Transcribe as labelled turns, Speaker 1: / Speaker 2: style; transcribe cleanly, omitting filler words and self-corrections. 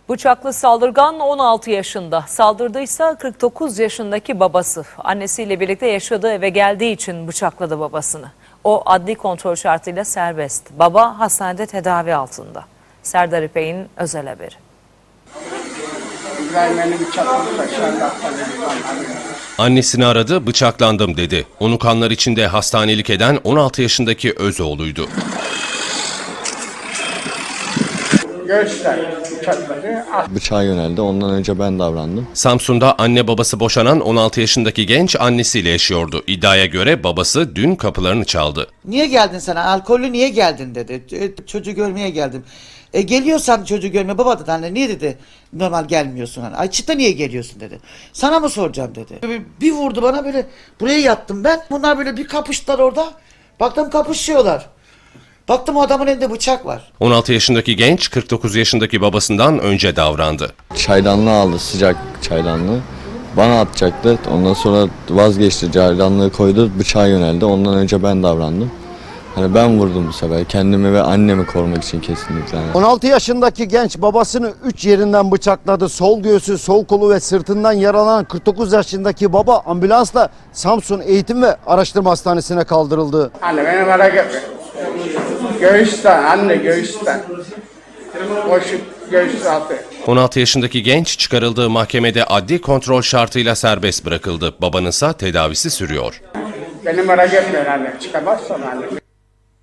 Speaker 1: Bıçaklı saldırgan 16 yaşında. Saldırdıysa 49 yaşındaki babası. Annesiyle birlikte yaşadığı eve geldiği için bıçakladı babasını. O adli kontrol şartıyla serbest. Baba hastanede tedavi altında. Serdar İpek'in özel haberi.
Speaker 2: Annesini aradı, bıçaklandım dedi. Onu kanlar içinde hastanelik eden 16 yaşındaki Özoğlu'ydu.
Speaker 3: Bıçağa yöneldi. Ondan önce ben davrandım.
Speaker 2: Samsun'da anne babası boşanan 16 yaşındaki genç annesiyle yaşıyordu. İddiaya göre babası dün kapılarını çaldı.
Speaker 4: Niye geldin sen? Alkollü niye geldin dedi. Çocuğu görmeye geldim. Geliyorsan çocuğu görmeye, baba dedi anne niye dedi normal gelmiyorsun hani. Ayçiçek'te niye geliyorsun dedi. Sana mı soracağım dedi. Bir vurdu bana böyle, buraya yattım ben. Bunlar böyle bir kapıştılar orada. Baktım kapışıyorlar. Baktım o adamın elinde bıçak var.
Speaker 2: 16 yaşındaki genç 49 yaşındaki babasından önce davrandı.
Speaker 3: Çaydanlığı aldı, sıcak çaydanlığı. Bana atacaktı. Ondan sonra vazgeçti. Çaydanlığı koydu, bıçağa yöneldi. Ondan önce ben davrandım. Hani ben vurdum bu sefer. Kendimi ve annemi korumak için kesinlikle.
Speaker 5: 16 yaşındaki genç babasını 3 yerinden bıçakladı. Sol göğsü, sol kolu ve sırtından yaralanan 49 yaşındaki baba ambulansla Samsun Eğitim ve Araştırma Hastanesi'ne kaldırıldı.
Speaker 6: Anne beni merak etme. Göğüsten, anne göğüsten. Boşluk göğüs altı.
Speaker 2: 16 yaşındaki genç çıkarıldığı mahkemede adli kontrol şartıyla serbest bırakıldı. Babanınsa tedavisi sürüyor.
Speaker 6: Beni merak etme anne. Çıkamazsan anne.